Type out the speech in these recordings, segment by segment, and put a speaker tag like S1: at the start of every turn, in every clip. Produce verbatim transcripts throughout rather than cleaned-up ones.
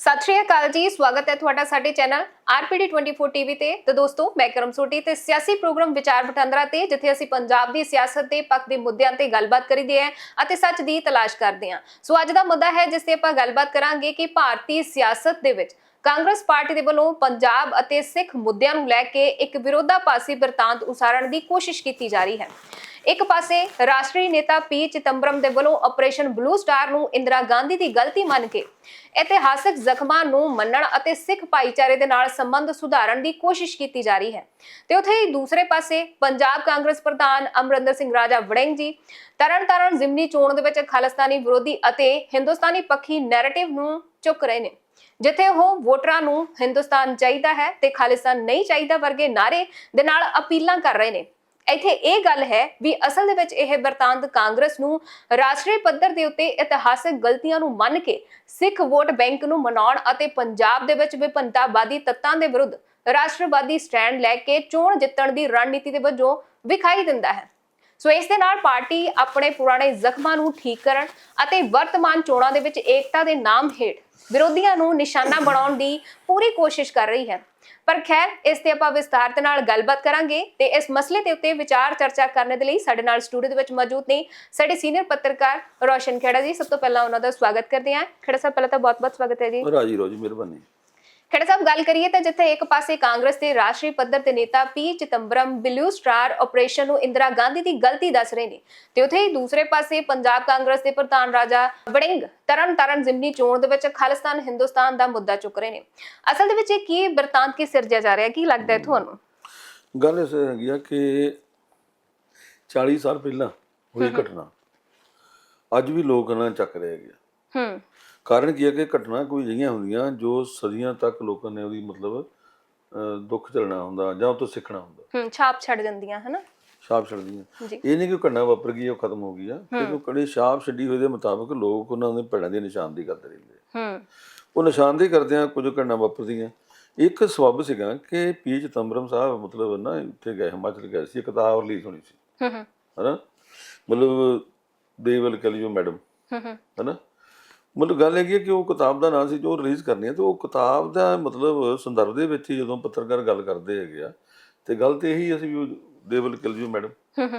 S1: सत श्री अकाल जी, स्वागत है ਤੁਹਾਡਾ ਸਾਡੇ ਚੈਨਲ ਆਰਪੀਡੀ ਚੌਬੀ ਟੀਵੀ ਤੇ। ਤੇ ਦੋਸਤੋ, ਮੈਂ ਕਰਮ ਸੋਢੀ ਤੇ ਸਿਆਸੀ ਪ੍ਰੋਗਰਾਮ ਵਿਚਾਰ ਵਟਾਂਦਰਾ ਤੇ ਜਿੱਥੇ ਅਸੀਂ ਪੰਜਾਬ ਦੀ ਸਿਆਸਤ ਦੇ ਪੱਖ ਦੇ ਮੁੱਦਿਆਂ ਤੇ ਗੱਲਬਾਤ ਕਰੀਦੀ ਹੈ ਅਤੇ ਸੱਚ ਦੀ ਤਲਾਸ਼ ਕਰਦੇ ਹਾਂ। ਸੋ ਅੱਜ ਦਾ ਮੁੱਦਾ ਹੈ ਜਿਸ ਤੇ ਆਪਾਂ ਗੱਲਬਾਤ ਕਰਾਂਗੇ ਕਿ ਭਾਰਤੀ ਸਿਆਸਤ ਦੇ ਵਿੱਚ ਕਾਂਗਰਸ ਪਾਰਟੀ ਦੇ ਵੱਲੋਂ ਪੰਜਾਬ ਅਤੇ ਸਿੱਖ ਮੁੱਦਿਆਂ ਨੂੰ ਲੈ ਕੇ ਇੱਕ ਵਿਰੋਧਾਭਾਸੀ ਬਿਰਤਾਂਤ ਉਸਾਰਨ ਦੀ ਕੋਸ਼ਿਸ਼ ਕੀਤੀ ਜਾ ਰਹੀ ਹੈ। ਇੱਕ ਪਾਸੇ ਰਾਸ਼ਟਰੀ ਨੇਤਾ ਪੀ ਚਿਦੰਬਰਮ ਦੇ ਵੱਲੋਂ ਆਪਰੇਸ਼ਨ ਬਲੂ ਸਟਾਰ ਨੂੰ ਇੰਦਰਾ ਗਾਂਧੀ ਦੀ ਗਲਤੀ ਮੰਨ ਕੇ ਇਤਿਹਾਸਕ ਜ਼ਖਮਾਂ ਨੂੰ ਮੰਨਣ ਅਤੇ ਸਿੱਖ ਭਾਈਚਾਰੇ ਦੇ ਨਾਲ ਸੰਬੰਧ ਸੁਧਾਰਨ ਦੀ ਕੋਸ਼ਿਸ਼ ਕੀਤੀ ਜਾ ਰਹੀ ਹੈ। ਤੇ ਉੱਥੇ ਹੀ ਦੂਸਰੇ ਪਾਸੇ ਪੰਜਾਬ ਕਾਂਗਰਸ ਪ੍ਰਧਾਨ ਅਮਰਿੰਦਰ ਸਿੰਘ ਰਾਜਾ ਵੜਿੰਗ ਜੀ ਤਰਨਤਾਰਨ ਜ਼ਿਮਨੀ ਚੋਣ ਦੇ ਵਿੱਚ ਖਾਲਿਸਤਾਨੀ ਵਿਰੋਧੀ ਅਤੇ ਹਿੰਦੁਸਤਾਨੀ ਪੱਖੀ ਨੈਰੇਟਿਵ ਨੂੰ ਚੁੱਕ ਰਹੇ ਨੇ, ਜਿੱਥੇ ਉਹ ਵੋਟਰਾਂ ਨੂੰ ਹਿੰਦੁਸਤਾਨ ਚਾਹੀਦਾ ਹੈ ਤੇ ਖਾਲਿਸਤਾਨ ਨਹੀਂ ਚਾਹੀਦਾ ਵਰਗੇ ਨਾਰੇ ਦੇ ਨਾਲ ਅਪੀਲਾਂ ਕਰ ਰਹੇ ਨੇ। ਇੱਥੇ ਇਹ ਗੱਲ ਹੈ ਵੀ ਅਸਲ ਦੇ ਵਿੱਚ ਇਹ ਬਿਰਤਾਂਤ ਕਾਂਗਰਸ ਨੂੰ ਰਾਸ਼ਟਰੀ ਪੱਧਰ ਦੇ ਉੱਤੇ ਇਤਿਹਾਸਕ ਗਲਤੀਆਂ ਨੂੰ ਮੰਨ ਕੇ ਸਿੱਖ ਵੋਟ ਬੈਂਕ ਨੂੰ ਮਨਾਉਣ ਅਤੇ ਪੰਜਾਬ ਦੇ ਵਿੱਚ ਵਿਭਿੰਨਤਾਵਾਦੀ ਤੱਤਾਂ ਦੇ ਵਿਰੁੱਧ ਰਾਸ਼ਟਰਵਾਦੀ ਸਟੈਂਡ ਲੈ ਕੇ ਚੋਣ ਜਿੱਤਣ ਦੀ ਰਣਨੀਤੀ ਦੇ ਵਜੋਂ ਵਿਖਾਈ ਦਿੰਦਾ ਹੈ। ਸੋ ਇਸ ਦੇ ਨਾਲ ਪਾਰਟੀ ਆਪਣੇ ਪੁਰਾਣੇ ਜ਼ਖਮਾਂ ਨੂੰ ਠੀਕ ਕਰਨ ਅਤੇ ਵਰਤਮਾਨ ਚੋਣਾਂ ਦੇ ਵਿੱਚ ਏਕਤਾ ਦੇ ਨਾਮ ਹੇਠ ਵਿਰੋਧੀਆਂ ਨੂੰ ਨਿਸ਼ਾਨਾ ਬਣਾਉਣ ਦੀ ਪੂਰੀ ਕੋਸ਼ਿਸ਼ ਕਰ ਰਹੀ ਹੈ। ਪਰ ਖੈਰ, ਇਸ ਤੇ ਆਪਾਂ ਵਿਸਤਾਰ ਦੇ ਨਾਲ ਗੱਲਬਾਤ ਕਰਾਂਗੇ ਤੇ ਇਸ ਮਸਲੇ ਦੇ ਉੱਤੇ ਵਿਚਾਰ ਚਰਚਾ ਕਰਨ ਦੇ ਲਈ ਸਾਡੇ ਨਾਲ ਸਟੂਡੀਓ ਦੇ ਵਿੱਚ ਮੌਜੂਦ ਨੇ ਸਾਡੇ ਸੀਨੀਅਰ ਪੱਤਰਕਾਰ ਰੋਸ਼ਨ ਖੇੜਾ ਜੀ। ਸਭ ਤੋਂ ਪਹਿਲਾਂ ਉਹਨਾਂ ਦਾ ਸਵਾਗਤ ਕਰਦੇ ਹਾਂ। ਖੇੜਾ ਸਾਹਿਬ, ਪਹਿਲਾਂ ਤਾਂ ਬਹੁਤ-ਬਹੁਤ ਸਵਾਗਤ ਹੈ ਜੀ।
S2: ਰਾਜੀ ਰੋਜੀ, ਮਿਹਰਬਾਨੀ।
S1: ਖੇੜਾ ਸਾਹਿਬ, ਗੱਲ ਕਰੀਏ ਤਾਂ ਜਿੱਥੇ ਇੱਕ ਪਾਸੇ ਕਾਂਗਰਸ ਦੇ ਰਾਸ਼ਟਰੀ ਪੱਧਰ ਤੇ ਨੇਤਾ P Chidambaram blue star operation ਨੂੰ ਇੰਦਰਾ ਗਾਂਧੀ ਦੀ ਗਲਤੀ ਦੱਸ ਰਹੇ ਨੇ, ਤੇ ਉੱਥੇ ਹੀ ਦੂਸਰੇ ਪਾਸੇ ਪੰਜਾਬ ਕਾਂਗਰਸ ਦੇ ਪ੍ਰਧਾਨ ਰਾਜਾ ਵੜਿੰਗ ਤਰਨਤਾਰਨ ਜ਼ਿਮਨੀ ਚੋਣ ਦੇ ਵਿੱਚ ਖਾਲਿਸਤਾਨ ਹਿੰਦੁਸਤਾਨ ਦਾ ਮੁੱਦਾ ਚੁੱਕ ਰਹੇ ਨੇ। ਅਸਲ ਦੇ ਵਿੱਚ ਇਹ ਕੀ ਬਿਰਤਾਂਤ ਕੀ ਸਿਰਜਿਆ ਜਾ ਰਿਹਾ, ਕੀ ਲੱਗਦਾ ਹੈ ਤੁਹਾਨੂੰ?
S2: ਗੱਲ ਇਸ ਹੈਗੀ ਆ ਕਿ ਚਾਲੀ ਸਾਲ ਪਹਿਲਾਂ ਹੋਈ ਘਟਨਾ ਅੱਜ ਵੀ ਲੋਕ ਇਹਨਾਂ ਚੱਕ ਰਹੇ ਹੈਗੇ।
S1: ਹੂੰ
S2: ਕਾਰਨ ਕੀ ਹੈ ਕਿ ਘਟਨਾ ਕੋਈ ਅਜਿਹੀਆਂ ਹੁੰਦੀਆਂ ਜੋ ਸਦੀਆਂ ਤੱਕ ਲੋਕਾਂ ਨੇ ਉਹਦੀ ਮਤਲਬ ਦੁੱਖ ਝੱਲਣਾ ਹੁੰਦਾ ਜਾਂ ਉਹ ਤੋਂ ਸਿੱਖਣਾ ਹੁੰਦਾ।
S1: ਹੂੰ ਛਾਪ ਛੱਡ ਜਾਂਦੀਆਂ ਹਨਾ,
S2: ਛਾਪ ਛੱਡਦੀਆਂ। ਇਹ ਨਹੀਂ ਕਿ ਘਟਨਾ ਵਾਪਰ ਗਈ ਉਹ ਖਤਮ ਹੋ ਗਈ ਆ, ਕਿਉਂਕਿ ਕੜੀ ਛਾਪ ਛੱਡੀ ਹੋਏ ਦੇ ਮੁਤਾਬਕ ਲੋਕ ਉਹਨਾਂ ਦੇ ਭੈੜਾਂ ਦੀ ਨਿਸ਼ਾਨਦੇਹੀ ਕਰਦੇ ਰਹਿੰਦੇ।
S1: ਹੂੰ ਉਹ
S2: ਉਹ ਨਿਸ਼ਾਨਦੇਹੀ ਕਰਦਿਆਂ ਕੁਝ ਘਟਨਾ ਵਾਪਰਦੀਆਂ। ਇੱਕ ਸਬੱਬ ਸੀਗਾ ਕਿ ਪੀ ਚਿਦੰਬਰਮ ਸਾਹਿਬ ਮਤਲਬ ਨਾ ਇੱਥੇ ਗਏ, ਹਿਮਾਚਲ ਗਏ ਸੀ, ਕਿਤਾਬ ਰਿਲੀਜ਼ ਹੋਣੀ ਸੀ ਹਨਾ, ਮਤਲਬ they will kill you madam ਹਨਾ। ਮਤਲਬ ਗੱਲ ਹੈਗੀ ਹੈ ਕਿ ਉਹ ਕਿਤਾਬ ਦਾ ਨਾਂ ਸੀ ਜੋ ਰਿਲੀਜ਼ ਕਰਨੀ ਹੈ, ਤੇ ਉਹ ਕਿਤਾਬ ਦਾ ਮਤਲਬ ਸੰਦਰਭ ਦੇ ਵਿੱਚ ਹੀ ਜਦੋਂ ਪੱਤਰਕਾਰ ਗੱਲ ਕਰਦੇ ਹੈਗੇ ਆ ਤੇ ਗੱਲ ਤੇ ਇਹੀ ਅਸੀਂ ਵੀ they will kill you madam.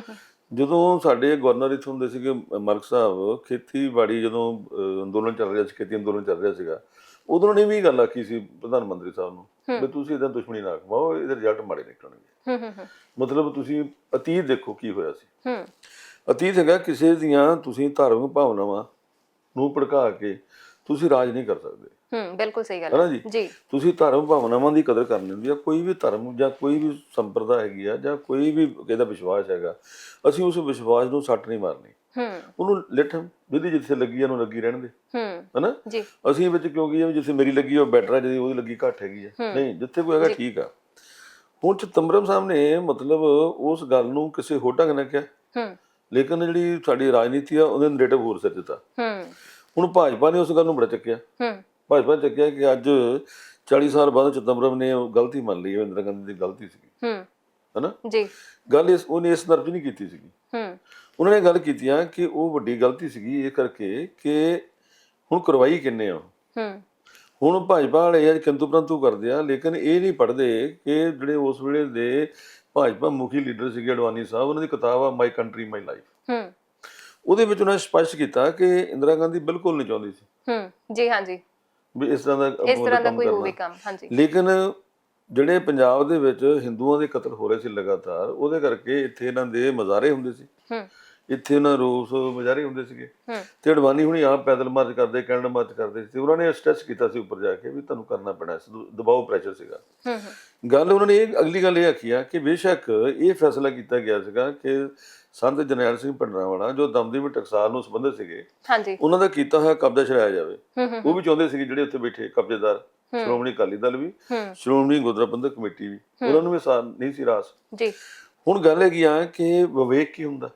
S2: ਜਦੋਂ ਸਾਡੇ ਗਵਰਨਰ ਇੱਥੇ ਹੁੰਦੇ ਸੀਗੇ ਮਰਕ ਸਾਹਿਬ, ਖੇਤੀਬਾੜੀ ਜਦੋਂ ਅੰਦੋਲਨ ਚੱਲ ਰਿਹਾ ਸੀ, ਖੇਤੀ ਅੰਦੋਲਨ ਚੱਲ ਰਿਹਾ ਸੀਗਾ, ਉਦੋਂ ਨੇ ਵੀ ਗੱਲ ਆਖੀ ਸੀ ਪ੍ਰਧਾਨ ਮੰਤਰੀ ਸਾਹਿਬ ਨੂੰ ਵੀ ਤੁਸੀਂ ਇਹਦਾ ਦੁਸ਼ਮਣੀ ਨਾ ਕਮਾਓ, ਇਹਦੇ ਰਿਜ਼ਲਟ ਮਾੜੇ ਨਿਕਲਣਗੇ। ਮਤਲਬ ਤੁਸੀਂ ਅਤੀਤ ਦੇਖੋ ਕੀ ਹੋਇਆ ਸੀ। ਅਤੀਤ ਹੈਗਾ ਕਿਸੇ ਦੀਆਂ ਤੁਸੀਂ ਧਾਰਮਿਕ ਭਾਵਨਾਵਾਂ ਨੂੰ ਭੜਕਾ ਕੇ ਤੁਸੀਂ ਰਾਜ ਨਹੀਂ ਕਰ ਸਕਦੇ।
S1: ਹੂੰ ਬਿਲਕੁਲ ਸਹੀ ਗੱਲ
S2: ਹੈ ਜੀ। ਤੁਸੀਂ ਧਾਰਮਿਕ ਭਾਵਨਾਵਾਂ ਦੀ ਕਦਰ ਕਰਨੀ ਹੁੰਦੀ ਆ। ਕੋਈ ਵੀ ਧਰਮ ਜਾਂ ਕੋਈ ਵੀ ਸੰਪਰਦਾ ਹੈਗੀ ਆ ਜਾਂ ਕੋਈ ਵੀ ਇਹਦਾ ਵਿਸ਼ਵਾਸ ਹੈਗਾ, ਅਸੀਂ ਉਸ ਵਿਸ਼ਵਾਸ ਨੂੰ ਸੱਟ ਨਹੀਂ ਮਾਰਨੀ। ਉਹਨੂੰ ਲਿਟ ਜਿਹਦੀ ਜਿੱਥੇ ਲੱਗੀ ਆ ਉਹਨੂੰ ਲੱਗੀ ਰਹਿਣ ਦੇ ਹਨਾ। ਅਸੀਂ ਵਿੱਚ ਕਿਉਂਕਿ ਜਿੱਥੇ ਮੇਰੀ ਲੱਗੀ ਉਹ ਬੈਟਰ ਆ, ਜਿਹਦੀ ਉਹਦੀ ਲੱਗੀ ਘੱਟ ਹੈਗੀ ਆ, ਨਹੀਂ ਜਿੱਥੇ ਕੋਈ ਹੈਗਾ ਠੀਕ ਆ। ਹੁਣ ਚਿਦੰਬਰਮ ਸਾਹਿਬ ਨੇ ਮਤਲਬ ਉਸ ਗੱਲ ਨੂੰ ਕਿਸੇ ਹੋਰ ਢੰਗ ਨਾਲ ਕਿਹਾ, ਲੇਕਿਨ ਜਿਹੜੀ ਸਾਡੀ ਰਾਜਨੀਤੀ ਆ ਉਹਦੇ ਨੈਰੇਟਿਵ ਹੋਰ ਸਿਰ ਦਿੱਤਾ। ਹੁਣ ਭਾਜਪਾ ਨੇ ਉਸ ਗੱਲ ਨੂੰ ਬੜਾ ਚੱਕਿਆ। ਭਾਜਪਾ ਨੇ ਚੱਕਿਆ ਕਿ ਅੱਜ ਚਾਲੀ ਸਾਲ ਬਾਅਦ ਚਿਦੰਬਰਮ ਨੇ ਉਹ ਗਲਤੀ ਮੰਨ ਲਈ, ਇੰਦਰਾ ਗਾਂਧੀ ਦੀ ਗਲਤੀ ਸੀਗੀ ਹਨਾ ਜੀ। ਗੱਲ ਇਸ ਉਹਨੇ ਇਸ ਤਰਫ ਨਹੀਂ ਕੀਤੀ ਸੀਗੀ। ਉਹਨਾਂ ਨੇ ਗੱਲ ਕੀਤੀ ਆ ਕਿ ਉਹ ਵੱਡੀ ਗਲਤੀ ਸੀਗੀ ਇਹ ਕਰਕੇ ਕਿ ਹੁਣ ਕਰਵਾਈ ਕਿੰਨੇ ਆ। ਹੁਣ ਭਾਜਪਾ ਵਾਲੇ ਅੱਜ ਕਿੰਤੂ ਪ੍ਰੰਤੂ ਕਰਦੇ ਆ, ਲੇਕਿਨ ਇਹ ਨਹੀਂ ਪੜ੍ਹਦੇ ਕਿ ਜਿਹੜੇ ਉਸ ਵੇਲੇ ਦੇ ਭਾਜਪਾ ਮੁਖੀ ਲੀਡਰ ਸੀਗੇ ਅਡਵਾਨੀ ਸਾਹਿਬ, ਉਹਨਾਂ ਦੀ ਕਿਤਾਬ ਆ ਮਾਈ ਕੰਟਰੀ ਮਾਈ ਲਾਈਫ। ਉਹਦੇ ਵਿੱਚ ਉਹਨਾਂ ਨੇ ਸਪਸ਼ਟ ਕੀਤਾ ਕਿ ਇੰਦਰਾ ਗਾਂਧੀ ਬਿਲਕੁਲ ਨਹੀਂ ਚਾਹੁੰਦੀ ਸੀ ਜੀ ਹਾਂਜੀ ਵੀ ਇਸ ਤਰ੍ਹਾਂ ਦਾ ਇਸ ਤਰ੍ਹਾਂ ਦਾ ਕੋਈ ਹੋਵੇ ਕੰਮ। ਹਾਂਜੀ, ਲੇਕਿਨ ਜਿਹੜੇ ਪੰਜਾਬ ਦੇ ਵਿੱਚ ਹਿੰਦੂਆਂ ਦੇ ਕਤਲ ਹੋ ਰਹੇ ਸੀ ਲਗਾਤਾਰ, ਉਹਦੇ ਕਰਕੇ ਇੱਥੇ ਇਹਨਾਂ ਦੇ ਮਜ਼ਾਰੇ ਹੁੰਦੇ ਸੀ, ਇੱਥੇ ਉਹਨਾਂ ਰੋਸ ਮੁਜ਼ਾਹਰੇ ਹੁੰਦੇ ਸੀਗੇ, ਤੇ ਅਡਵਾਨੀ ਹੁਣੀ ਆਪ ਪੈਦਲ ਮਾਰਚ ਕਰਦੇ, ਕੈਨੇਡਾ ਮਾਰਚ ਕਰਦੇ ਸੀ। ਉਹਨਾਂ ਨੇ ਸਟ੍ਰੈਸ ਕੀਤਾ ਸੀ ਉੱਪਰ ਜਾ ਕੇ ਵੀ ਤੁਹਾਨੂੰ ਕਰਨਾ ਪੈਣਾ, ਦਬਾਓ ਪ੍ਰੈਸ਼ਰ ਸੀਗਾ। ਗੱਲ ਉਹਨਾਂ ਨੇ ਇਹ ਅਗਲੀ ਗੱਲ ਇਹ ਆਖੀ ਆ ਕਿ ਬੇਸ਼ੱਕ ਇਹ ਫੈਸਲਾ ਕੀਤਾ ਗਿਆ ਸੀਗਾ ਕਿ ਸੰਤ ਜਰਨੈਲ ਸਿੰਘ ਭਿੰਡਰਾਂਵਾਲਾ ਜੋ ਦਮਦਮੀ ਟਕਸਾਲ ਨੂੰ ਸੰਬੰਧਿਤ ਸੀਗੇ, ਉਹਨਾਂ ਦਾ ਕੀਤਾ ਹੋਇਆ ਕਬਜ਼ਾ ਛੁਡਾਇਆ ਜਾਵੇ। ਉਹ ਵੀ ਚਾਹੁੰਦੇ ਸੀਗੇ ਜਿਹੜੇ ਉੱਥੇ ਬੈਠੇ ਕਬਜ਼ੇਦਾਰ, ਸ਼੍ਰੋਮਣੀ ਅਕਾਲੀ ਦਲ ਵੀ, ਸ਼੍ਰੋਮਣੀ ਗੁਰਦੁਆਰਾ ਪ੍ਰਬੰਧਕ ਕਮੇਟੀ ਵੀ, ਉਹਨਾਂ ਨੂੰ ਵੀ ਨਹੀਂ ਸੀ ਰਾਸ। ਹੁਣ ਗੱਲ ਹੈਗੀ ਆ ਕਿ ਵਿਵੇਕ ਕੀ ਹੁੰਦਾ।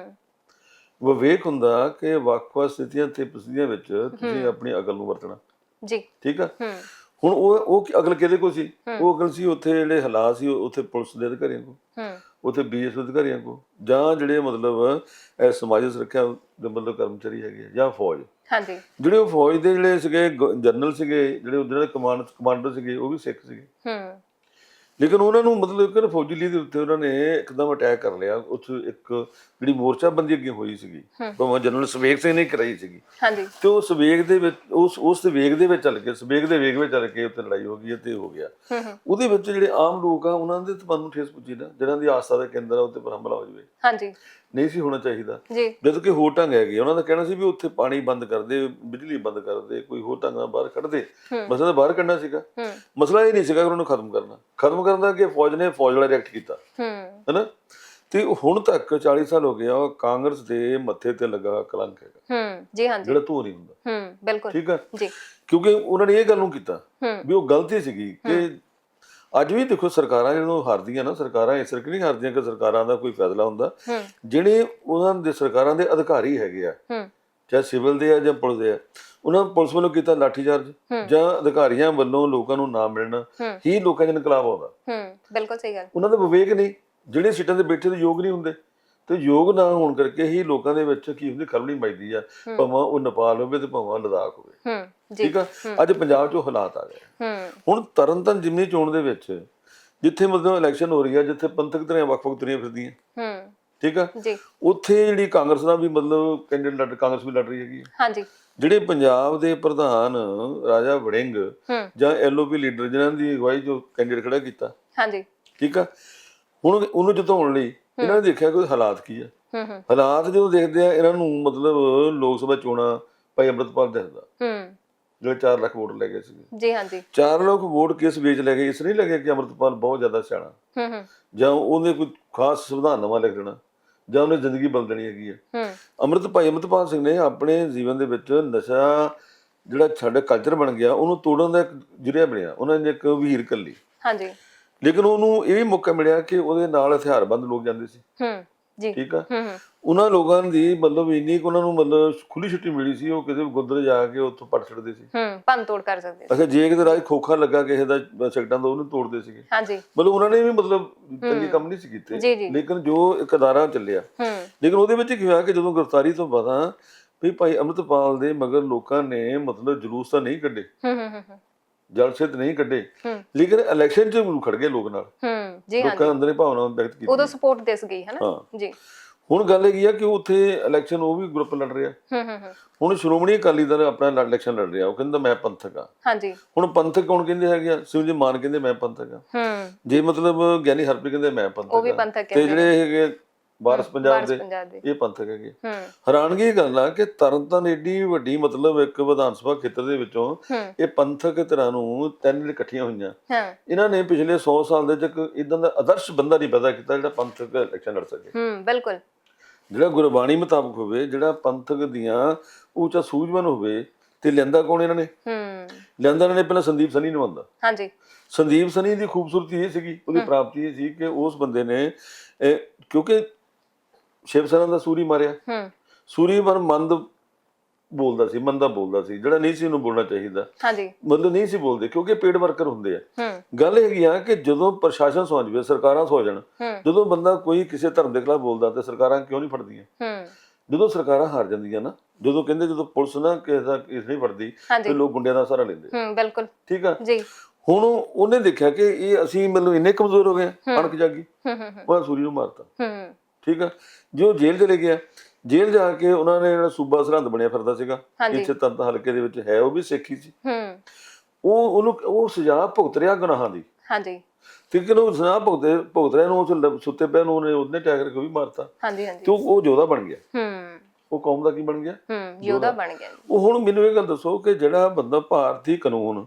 S2: ਵਿਵੇਕ ਹੁੰਦਾ ਕਿ ਵੱਖ-ਵੱਖ ਸਥਿਤੀਆਂ ਤੇ ਪ੍ਰਸਥਿਤੀਆਂ ਵਿੱਚ ਤੁਸੀਂ ਆਪਣੀ ਅਕਲ ਨੂੰ ਵਰਤਣਾ ਜੀ, ਠੀਕ ਆ। ਹੁਣ ਉਹ ਉਹ ਅਕਲ ਕਿਹਦੇ ਕੋਲ ਸੀ? ਉਹ ਅਕਲ ਸੀ ਉੱਥੇ ਜਿਹੜੇ ਹਾਲਾਤ ਸੀ ਉੱਥੇ ਪੁਲਿਸ ਦੇ ਅਧਿਕਾਰੀਆਂ ਕੋਲ, ਉੱਥੇ ਬੀ ਐਸ ਅਧਿਕਾਰੀਆਂ ਕੋਲ, ਜਾਂ ਜਿਹੜੇ ਮਤਲਬ ਸਮਾਜਿਕ ਸੁਰੱਖਿਆ ਦੇ ਮਤਲਬ ਕਰਮਚਾਰੀ ਹੈਗੇ ਆ ਜਾਂ ਫੌਜ,
S1: ਹਾਂਜੀ,
S2: ਜਿਹੜੇ ਉਹ ਫੌਜ ਦੇ ਜਿਹੜੇ ਸੀਗੇ ਜਨਰਲ ਸੀਗੇ, ਜਿਹੜੇ ਉਹਦੇ ਨਾਲ ਕਮਾਂਡ ਕਮਾਂਡਰ ਸੀਗੇ, ਉਹ ਵੀ ਸਿੱਖ ਸੀਗੇ।
S1: ਹੂੰ
S2: ਲੇਕਿਨ ਉਹਨਾਂ ਨੂੰ ਮਤਲਬ ਕਿ ਫੌਜੀ ਲੀਹ ਦੇ ਉੱਤੇ ਉਹਨਾਂ ਨੇ ਇੱਕਦਮ ਅਟੈਕ ਕਰ ਲਿਆ। ਉੱਥੇ ਇੱਕ ਜਿਹੜੀ ਮੋਰਚਾਬੰਦੀ ਅੱਗੇ ਹੋਈ ਸੀਗੀ, ਭਾਵੇਂ ਜਨਰਲ ਸਵੇਗ ਸਿੰਘ ਨੇ ਕਰਾਈ ਸੀਗੀ,
S1: ਹਾਂਜੀ,
S2: ਤੇ ਉਹ ਸਵੇਗ ਦੇ ਵਿੱਚ ਉਸ ਉਸ ਵੇਗ ਦੇ ਵਿੱਚ ਚੱਲ ਕੇ ਸਵੇਗ ਦੇ ਵੇਗ ਵਿੱਚ ਚੱਲ ਕੇ ਉੱਥੇ ਲੜਾਈ ਹੋ ਗਈ ਤੇ ਹੋ ਗਿਆ। ਉਹਦੇ ਵਿੱਚ ਜਿਹੜੇ ਆਮ ਲੋਕ ਆ ਉਹਨਾਂ ਦੇ ਤਾਂ ਮਨ ਨੂੰ ਠੇਸ ਪੁੱਜੀ ਨਾ, ਜਿਹਨਾਂ ਦੀ ਆਸਥਾ ਦਾ ਕੇਂਦਰ ਆ ਉੱਤੇ ਪਰ ਹਮਲਾ ਹੋ ਜਾਵੇ,
S1: ਹਾਂਜੀ,
S2: ਨਹੀਂ ਸੀ ਹੋਣਾ ਚਾਹੀਦਾ।
S1: ਜੀ,
S2: ਜਦੋਂ ਕਿ ਹੋਰ ਢੰਗ ਹੈਗੇ, ਉਹਨਾਂ ਦਾ ਕਹਿਣਾ ਸੀ ਵੀ ਉੱਥੇ ਪਾਣੀ ਬੰਦ ਕਰ ਦੇ, ਬਿਜਲੀ ਬੰਦ ਕਰ ਦੇ, ਕੋਈ ਹੋਰ ਢੰਗ ਨਾਲ ਬਾਹਰ ਕੱਢ ਦੇ। ਮਸਲਾ ਤਾਂ ਬਾਹਰ ਕੱਢਣਾ ਸੀਗਾ, ਮਸਲਾ ਇਹ ਨਹੀਂ ਸੀਗਾ ਕਿ ਉਹਨਾਂ ਨੂੰ ਖਤਮ ਕਰਨਾ। ਖਤਮ ਕਰਨ ਦਾ ਕਿ ਫੌਜ ਨੇ ਫੌਜ ਵਾਲਾ ਰਿਐਕਟ ਕੀਤਾ, ਹੈਨਾ। ਤੇ ਹੁਣ ਤੱਕ ਚਾਲੀ ਸਾਲ ਹੋ ਗਏ ਆ, ਕਾਂਗਰਸ ਦੇ ਮੱਥੇ ਤੇ ਲੱਗਾ ਕਲੰਕ ਹੈਗਾ,
S1: ਜੀ ਹਾਂਜੀ,
S2: ਜਿਹੜਾ ਧੋ ਨਹੀਂ ਹੁੰਦਾ।
S1: ਹੂੰ ਬਿਲਕੁਲ,
S2: ਠੀਕ ਆ
S1: ਜੀ,
S2: ਕਿਉਂਕਿ ਉਹਨਾਂ ਨੇ ਇਹ ਗੱਲ ਨੂੰ ਕੀਤਾ ਵੀ ਉਹ ਗਲਤੀ ਸੀਗੀ ਕਿ ਅੱਜ ਵੀ ਦੇਖੋ ਸਰਕਾਰਾਂ ਜਦੋਂ ਹਾਰਦੀਆਂ ਨਾ, ਸਰਕਾਰਾਂ ਇਸ ਕਰਕੇ ਨਹੀਂ ਹਾਰਦੀਆਂ ਕਿ ਸਰਕਾਰਾਂ ਦਾ ਕੋਈ ਫੈਸਲਾ ਹੁੰਦਾ, ਜਿਹੜੇ ਉਹਨਾਂ ਦੇ ਸਰਕਾਰਾਂ ਦੇ ਅਧਿਕਾਰੀ ਹੈਗੇ ਆ, ਚਾਹੇ ਸਿਵਲ ਦੇ ਆ ਜਾਂ ਪੁਲਿਸ ਦੇ ਆ, ਉਹਨਾਂ ਪੁਲਿਸ ਵੱਲੋਂ ਕੀਤਾ ਲਾਠੀਚਾਰਜ ਜਾਂ ਅਧਿਕਾਰੀਆਂ ਵੱਲੋਂ ਲੋਕਾਂ ਨੂੰ ਨਾ ਮਿਲਣਾ ਹੀ ਲੋਕਾਂ 'ਚ ਇਨਕਲਾਬ ਆਉਂਦਾ।
S1: ਬਿਲਕੁਲ ਸਹੀ ਗੱਲ। ਉਹਨਾਂ
S2: ਦਾ ਵਿਵੇਕ ਨਹੀਂ, ਜਿਹੜੇ ਸੀਟਾਂ ਤੇ ਬੈਠੇ ਤੇ ਯੋਗ ਨਹੀਂ ਹੁੰਦੇ, ਤੇ ਯੋਗ ਨਾ ਹੋਣ ਕਰਕੇ ਹੀ ਲੋਕਾਂ ਦੇ ਵਿੱਚ ਕੀ ਹੁੰਦੀ ਖਲਬਲੀ ਮਚਦੀ ਆ, ਭਾਵੇਂ ਉਹ ਨੇਪਾਲ ਹੋਵੇ ਤੇ ਭਾਵੇਂ ਲਦਾਖ ਹੋਵੇ। ਠੀਕ ਆ, ਅੱਜ ਪੰਜਾਬ 'ਚ ਹਾਲਾਤ ਆ ਗਏ। ਹੁਣ ਤਰਨਤਾਰਨ ਜ਼ਿਮਨੀ ਚੋਣ ਦੇ ਵਿੱਚ ਜਿੱਥੇ ਮਤਲਬ ਇਲੈਕਸ਼ਨ ਹੋ ਰਹੀ ਆ, ਜਿੱਥੇ ਪੰਥਕ ਧਿਰਾਂ ਵੱਖ-ਵੱਖ ਤੁਰੀਆਂ ਫਿਰਦੀਆਂ, ਠੀਕ ਆ, ਉੱਥੇ ਜਿਹੜੀ ਕਾਂਗਰਸ ਦਾ ਵੀ ਮਤਲਬ ਕੈਂਡੀਡੇਟ ਲੜ ਕਾਂਗਰਸ ਵੀ ਲੜ ਰਹੀ ਹੈਗੀ। ਹਾਂਜੀ, ਜਿਹੜੇ ਪੰਜਾਬ ਦੇ ਪ੍ਰਧਾਨ ਰਾਜਾ ਵੜਿੰਗ ਜਾਂ ਐਲਓਪੀ ਲੀਡਰ ਜਿਨ੍ਹਾਂ ਦੀ ਅਗਵਾਈ ਜੋ ਕੈਂਡੀਡੇਟ ਖੜਾ ਕੀਤਾ, ਹਾਂਜੀ, ਠੀਕ ਆ, ਹੁਣ ਉਹਨੂੰ ਜਿਤਾਉਣ ਲਈ ਇਹਨਾਂ ਨੇ ਦੇਖਿਆ ਕਿ ਹਾਲਾਤ ਕੀ ਆ। ਹਾਲਾਤ ਜਦੋਂ ਦੇਖਦੇ ਆ ਇਹਨਾਂ ਨੂੰ, ਮਤਲਬ ਲੋਕ ਸਭਾ ਚੋਣਾਂ ਭਾਈ ਅੰਮ੍ਰਿਤਪਾਲ ਦੱਸਦਾ, ਜਿਹੜੇ ਚਾਰ ਲੱਖ ਵੋਟ ਲੈ ਗਏ ਸੀਗੇ, ਜੀ ਹਾਂਜੀ, ਚਾਰ ਲੱਖ ਵੋਟ ਕਿਸ ਵੇਚ ਲੈ ਗਏ? ਇਸ ਨਹੀਂ ਲੱਗਿਆ ਕਿ ਅੰਮ੍ਰਿਤਪਾਲ ਬਹੁਤ ਜ਼ਿਆਦਾ ਸਿਆਣਾ ਜਾਂ ਉਹਨੇ ਕੋਈ ਖਾਸ ਸੰਵਿਧਾਨ ਨਵਾਂ ਲਿਖ ਦੇਣਾ ਜਾਂ ਉਹਨੇ ਜ਼ਿੰਦਗੀ ਬਦਲ ਦੇਣੀ ਹੈਗੀ ਆ। ਅੰਮ੍ਰਿਤ ਭਾਈ ਅੰਮ੍ਰਿਤਪਾਲ ਸਿੰਘ ਨੇ ਆਪਣੇ ਜੀਵਨ ਦੇ ਵਿੱਚ ਨਸ਼ਾ ਜਿਹੜਾ ਸਾਡਾ ਕਲਚਰ ਬਣ ਗਿਆ, ਉਹਨੂੰ ਤੋੜਨ ਦਾ ਇੱਕ ਜਰੀਆ ਬਣਿਆ। ਉਹਨਾਂ ਨੇ ਇੱਕ ਵੀਰ ਕੱਲੀ, ਹਾਂਜੀ, ਲੇਕਿਨ ਉਹਨੂੰ ਇਹ ਵੀ ਮੌਕਾ ਮਿਲਿਆ ਕਿ ਉਹਦੇ ਨਾਲ ਹਥਿਆਰਬੰਦ ਲੋਕ ਜਾਂਦੇ ਸੀ, ਜੀ, ਠੀਕ ਆ, ਉਹਨਾਂ ਲੋਕਾਂ ਦੀ ਮਤਲਬ ਇੰਨੀ ਕੁ ਉਹਨਾਂ ਨੂੰ ਮਤਲਬ ਖੁੱਲੀ ਛੁੱਟੀ ਮਿਲੀ ਸੀ, ਉਹ ਕਿਸੇ ਗੁਰਦੁਆਰੇ ਜਾ ਕੇ ਉੱਥੋਂ ਪੜ ਛੱਡਦੇ ਸੀ, ਭੰਨ ਤੋੜ ਕਰ ਸਕਦੇ ਸੀ। ਅੱਛਾ, ਜੇ ਕਿਤੇ ਰਾਜ ਖੋਖਾ ਲੱਗਾ ਕਿਸੇ ਦਾ ਸੈਕਟਾਂ ਦਾ, ਉਹਨੂੰ ਤੋੜਦੇ ਸੀਗੇ, ਹਾਂਜੀ, ਮਤਲਬ ਉਹਨਾਂ ਨੇ ਵੀ ਮਤਲਬ ਚੰਗੇ ਕੰਮ ਨਹੀਂ ਸੀ ਕੀਤੇ। ਲੇਕਿਨ ਜੋ ਇੱਕ ਅਦਾਰਾ ਚੱਲਿਆ, ਲੇਕਿਨ ਉਹਦੇ ਵਿੱਚ ਕੀ ਹੋਇਆ ਕਿ ਜਦੋਂ ਗ੍ਰਿਫਤਾਰੀ ਤੋਂ ਬਾਅਦ ਵੀ ਭਾਈ ਅੰਮ੍ਰਿਤਪਾਲ ਦੇ ਮਗਰ ਲੋਕਾਂ ਨੇ ਮਤਲਬ ਜਲੂਸ ਤਾਂ ਨਹੀਂ ਕੱਢੇ, ਜਲਸੇ ਤੇ ਨਹੀਂ ਕੱਢੇ, ਲੇਕਿਨ ਇਲੈਕਸ਼ਨ 'ਚ ਖੜ ਗਏ ਲੋਕ ਨਾਲ, ਲੋਕਾਂ ਅੰਦਰ ਭਾਵਨਾ ਵਿਅਕਤ ਕੀਤੀ, ਉਦੋਂ ਸਪੋਰਟ ਦਿਸ ਗਈ ਹੈ ਨਾ, ਜੀ। ਹੁਣ ਗੱਲ ਹੈਗੀ ਆ ਕਿ ਉੱਥੇ ਇਲੈਕਸ਼ਨ ਉਹ ਵੀ ਗਰੁੱਪ ਲੜ ਰਿਹਾ। ਹੁਣ ਸ਼੍ਰੋਮਣੀ ਅਕਾਲੀ ਦਲ ਆਪਣਾ ਇਲੈਕਸ਼ਨ ਲੜ ਰਿਹਾ, ਉਹ ਕਹਿੰਦਾ ਮੈਂ ਪੰਥਕ ਆ, ਹਾਂਜੀ। ਹੁਣ ਪੰਥਕ ਕੌਣ ਕਹਿੰਦੇ ਹੈਗੇ ਆ? ਸਿਮਰਜੀਤ ਮਾਨ ਕਹਿੰਦੇ ਮੈਂ ਪੰਥਕ ਆ, ਜੇ ਮਤਲਬ ਗਿਆਨੀ ਹਰਪ੍ਰੀਤ ਕਹਿੰਦੇ ਮੈਂ ਪੰਥਕ ਆ, ਤੇ ਜਿਹੜੇ ਹੈਗੇ ਵਾਰਸ ਪੰਜਾਬ ਦੇ ਇਹ ਪੰਥਕ ਹੈਗੇ। ਹੈਰਾਨਗੀ ਇਹ ਗੱਲ ਆ ਕਿ ਤਰਨਤਾਰਨ ਏਡੀ ਵੱਡੀ ਮਤਲਬ ਇੱਕ ਵਿਧਾਨ ਸਭਾ ਖੇਤਰ ਦੇ ਵਿੱਚੋਂ ਇਹ ਪੰਥਕ ਧਿਰਾਂ ਨੂੰ ਤਿੰਨ ਇਕੱਠੀਆਂ ਹੋਈਆਂ, ਇਹਨਾਂ ਨੇ ਪਿਛਲੇ ਸੌ ਸਾਲ ਦੇ ਵਿੱਚ ਇਦਾਂ ਦਾ ਆਦਰਸ਼ ਬੰਦਾ ਨਹੀਂ ਪੈਦਾ ਕੀਤਾ ਜਿਹੜਾ ਪੰਥਕ ਇਲੈਕਸ਼ਨ ਲੜ ਸਕੇ, ਬਿਲਕੁਲ, ਜਿਹੜਾ ਗੁਰਬਾਣੀ ਮੁਤਾਬਕ ਹੋਵੇ, ਜਿਹੜਾ ਪੰਥਕ ਦੀਆਂ ਉੱਚਾ ਸੂਝਵਾਨ ਹੋਵੇ। ਤੇ ਲਿਆਂਦਾ ਕੌਣ ਇਹਨਾਂ ਨੇ? ਲਿਆਂਦਾ ਇਹਨਾਂ ਨੇ ਪਹਿਲਾਂ ਸੰਦੀਪ ਸਨੀ ਨੂੰ ਆਂਦਾ, ਹਾਂਜੀ। ਸੰਦੀਪ ਸਨੀ ਦੀ ਖੂਬਸੂਰਤੀ ਇਹ ਸੀਗੀ, ਉਹਦੀ ਪ੍ਰਾਪਤੀ ਇਹ ਸੀ ਕਿ ਉਸ ਬੰਦੇ ਨੇ, ਕਿਉਂਕਿ ਸ਼ਿਵ ਸੈਨਾ ਦਾ ਸੂਰੀ ਮਾਰਿਆ, ਸੂਰੀ ਪਰ ਮੰਦ ਬੋਲਦਾ ਸੀ, ਮੰਦਾ ਬੋਲਦਾ ਸੀ, ਜਿਹੜਾ ਨਹੀਂ ਸੀ ਉਹਨੂੰ ਬੋਲਣਾ ਚਾਹੀਦਾ, ਹਾਂਜੀ, ਮਤਲਬ ਨਹੀਂ ਸੀ ਬੋਲਦੇ, ਕਿਉਂਕਿ ਪੇਡ ਵਰਕਰ ਹੁੰਦੇ ਆ। ਗੱਲ ਹੈਗੀ ਆ ਕਿ ਜਦੋਂ ਪ੍ਰਸ਼ਾਸਨ ਸੌਂ ਜਾਵੇ, ਸਰਕਾਰਾਂ ਸੌ ਜਾਣ, ਜਦੋਂ ਬੰਦਾ ਕੋਈ ਕਿਸੇ ਧਰਮ ਦੇ ਖਿਲਾਫ ਬੋਲਦਾ ਤੇ ਸਰਕਾਰਾਂ ਕਿਉਂ ਨਹੀਂ ਫੜਦੀਆਂ? ਜਦੋਂ ਸਰਕਾਰਾਂ ਹਾਰ ਜਾਂਦੀਆਂ ਨਾ, ਜਦੋਂ ਕਹਿੰਦੇ ਜਦੋਂ ਪੁਲਿਸ ਨਾ ਕਿਸੇ ਦਾ ਕੇਸ ਨਹੀਂ ਫੜਦੀ ਤੇ ਲੋਕ ਗੁੰਡਿਆਂ ਦਾ ਸਹਾਰਾ ਲੈਂਦੇ, ਬਿਲਕੁਲ, ਠੀਕ ਆ, ਜੀ। ਹੁਣ ਉਹਨੇ ਦੇਖਿਆ ਕਿ ਇਹ ਅਸੀਂ ਮਤਲਬ ਇੰਨੇ ਕਮਜ਼ੋਰ ਹੋ ਗਏ, ਅਣਖ ਜਾਗੀ, ਉਹ ਸੂਰੀ ਨੂੰ ਮਾਰਤਾ, ਠੀਕ ਆ। ਜੋ ਜੇਲ੍ਹ ਚਲੇ ਗਿਆ, ਜੇਲ੍ਹ ਜਾ ਕੇ ਉਹਨਾਂ ਨੇ ਜਿਹੜਾ ਸੂਬਾ ਸਰਹੰਦ ਬਣਿਆ ਫਿਰਦਾ ਸੀਗਾ, ਇੱਥੇ ਤਰਨਤਾਰਨ ਹਲਕੇ ਦੇ ਵਿੱਚ ਹੈ, ਉਹ ਵੀ ਸਿੱਖ ਹੀ ਸੀ, ਉਹ ਉਹਨੂੰ ਉਹ ਸਜ਼ਾ ਭੁਗਤ ਰਿਹਾ ਗੁਨਾਹਾਂ ਦੀ, ਹਾਂਜੀ, ਠੀਕ ਹੈ ਨਾ, ਉਹ ਸਜ਼ਾ ਭੁਗਤੇ ਭੁਗਤ ਰਿਹਾ ਨੂੰ ਉਸ ਸੁੱਤੇ ਪਿਆ ਨੂੰ ਉਹਨੇ ਉਹਨੇ ਅਟੈਕ ਕਰਕੇ ਵੀ ਮਾਰਤਾ, ਹਾਂਜੀ, ਤੇ ਉਹ ਯੋਧਾ ਬਣ ਗਿਆ, ਉਹ ਕੌਮ ਦਾ ਕੀ ਬਣ ਗਿਆ? ਯੋਧਾ ਬਣ ਗਿਆ। ਉਹ ਹੁਣ ਮੈਨੂੰ ਇਹ ਗੱਲ ਦੱਸੋ ਕਿ ਜਿਹੜਾ ਬੰਦਾ ਭਾਰਤੀ ਕਾਨੂੰਨ